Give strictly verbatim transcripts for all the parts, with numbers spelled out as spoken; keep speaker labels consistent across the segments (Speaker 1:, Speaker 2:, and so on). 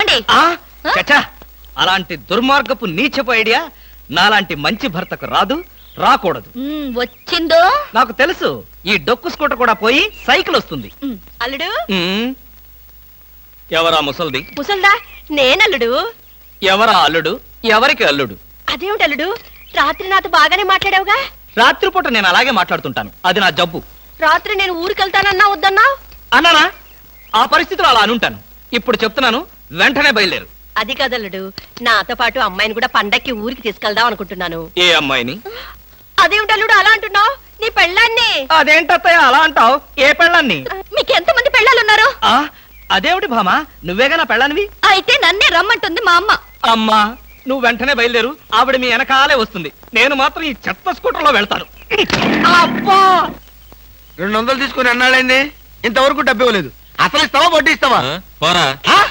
Speaker 1: వెళ్ళండి.
Speaker 2: చచ్చా, అలాంటి దుర్మార్గపు నీచపు ఐడియా నాలాంటి మంచి భర్తకు రాదు, రాకూడదు.
Speaker 1: వచ్చిందో
Speaker 2: నాకు తెలుసు. ఈ డొక్కు స్కూటర్ కూడా పోయి సైకిల్ వస్తుంది.
Speaker 1: అల్లుడు.
Speaker 2: ఎవరా ముసల్ది?
Speaker 1: ముసల్దా నేనల్లుడు.
Speaker 2: ఎవరా అల్లుడు? ఎవరికి అల్లుడు?
Speaker 1: అదేమిటి అల్లుడు, రాత్రి నాతో బాగానే మాట్లాడావుగా.
Speaker 2: రాత్రిపూట నేను అలాగే మాట్లాడుతుంటాను, అది నా జబ్బు.
Speaker 1: రాత్రి నేను ఊరికెళ్తానన్నా వద్దన్నా
Speaker 2: అన్నానా? ఆ పరిస్థితిలో అలా అనుంటాను. ఇప్పుడు చెప్తున్నాను, వెంటనే బయలుదేరు.
Speaker 1: అది కదల్లుడు, నాతో పాటు అమ్మాయిని కూడా పండక్కి ఊరికి తీసుకెళ్దాం అనుకుంటున్నాను.
Speaker 2: ఏ అమ్మాయిని?
Speaker 1: అదేమిటి అల్లుడు అలా అంటున్నావు? నీ పెళ్ళాన్ని.
Speaker 2: అదేంటత్తయ్య అలా అంటావు? ఏ పెళ్ళాన్ని?
Speaker 1: మీకు ఎంత మంది పెళ్ళాలున్నారు?
Speaker 2: అదేమిటి భామా, నువ్వేగా నా పెళ్ళానివి?
Speaker 1: అయితే నన్నే రమ్మంటుంది మా అమ్మ.
Speaker 2: అమ్మా, నువ్వు వెంటనే బయలుదేరు. ఆవిడ మీ వెనకాలే వస్తుంది. నేను మాత్రం ఈ చెత్త స్కూటర్ లో వెళ్తాను.
Speaker 3: అబ్బా, రెండు వందలు తీసుకుని అన్నాడండి, ఇంతవరకు డబ్బు ఇవ్వలేదు. అసలు ఇస్తావా వడ్డీ ఇస్తావా?
Speaker 2: పోరా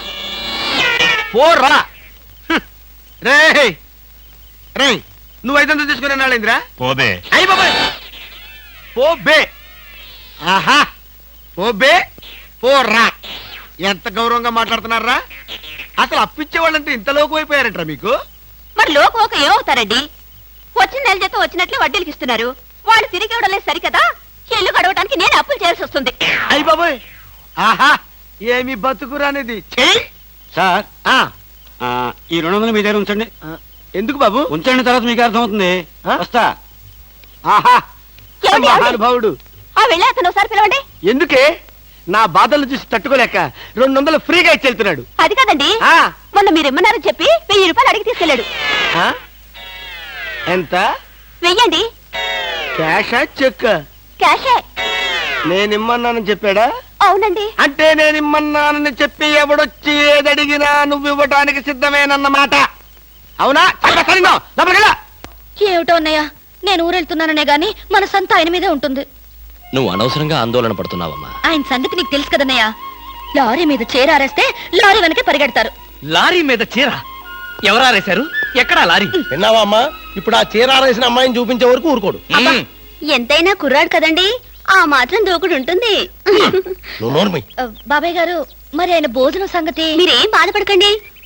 Speaker 3: పోరా. రే రే, నువ్వు ఐదు వందలు తీసుకుని అన్నాడేంద్రా?
Speaker 4: పోబే.
Speaker 3: అయ్యి బాబాయ్, పోబే. ఆహా, పోబే పోరా. ఎంత గౌరవంగా మాట్లాడుతున్నారా? అసలు అప్పిచ్చే వాళ్ళంటే ఇంత లోకు అయిపోయారంటారా మీకు?
Speaker 1: మరి లోకు ఒక ఏమవుతారండి? వచ్చిన నెల జీతం వచ్చినట్లు వడ్డీలకి ఇస్తున్నారు. వాళ్ళు తిరిగి ఇవ్వడం లేదు సరికదా, ఇల్లు గడవడానికి నేను అప్పులు చేయాల్సి వస్తుంది.
Speaker 3: అయ్యి బాబాయ్, ఆహా, ఏమి బతుకురానిది.
Speaker 5: సార్, ఈ రెండు వందలు మీ దగ్గర ఉంచండి.
Speaker 3: ఎందుకు బాబు?
Speaker 5: ఉంచండి, తర్వాత మీకు అర్థమవుతుంది. వస్తా.
Speaker 3: ఆహా, మహానుభావుడు.
Speaker 1: ఆ వెళ్ళి అతను ఒకసారి పిలవండి.
Speaker 3: ఎందుకే? నా బాధలు చూసి తట్టుకోలేక రెండు వందలు ఫ్రీగా ఇచ్చి వెళ్తున్నాడు.
Speaker 1: అది కాదండి, మొన్న మీరు ఇమ్మన్నారని చెప్పి వెయ్యి రూపాయలు అడిగి తీసుకెళ్ళాడు.
Speaker 3: ఎంత?
Speaker 1: వెయ్యండి.
Speaker 3: క్యాషా చెక్?
Speaker 1: క్యాషే.
Speaker 3: నేనిమ్మన్నానని చెప్పాడా?
Speaker 1: అవునండి.
Speaker 3: అంటే నేనిమ్మన్నానని చెప్పి ఎవడొచ్చి ఏదడిగినా నువ్వు ఇవ్వటానికి సిద్ధమేనన్నమాట. అవునా?
Speaker 1: ఏమిటో అన్నయ్య, నేను ఊరెళ్తున్నాననే గాని మన సంత ఆయన మీదే ఉంటుంది.
Speaker 6: నువ్వు అనవసరంగా ఆందోళన పడుతున్నావమ్మా.
Speaker 1: ఆయన సంగతి నీకు తెలుసు కదన్నయ్య. లారీ మీద చీర ఆరేస్తే లారీ వెనకే పరిగెడతారు.
Speaker 2: లారీ మీద చీర ఎవరారేశారు? ఎక్కడా లారీ?
Speaker 4: విన్నావా అమ్మా? ఇప్పుడు ఆ చీర ఆరేసిన అమ్మాయిని చూపించే వరకు ఊరుకోడు.
Speaker 1: ఎంతైనా కుర్రాడు కదండి, ఆ మాత్రం దూకుడు ఉంటుంది.
Speaker 4: నువ్వు నోర్మి.
Speaker 1: బాబాయ్ గారు, మరి ఆయన భోజనం సంగతి? మీరేం బాధపడకండి,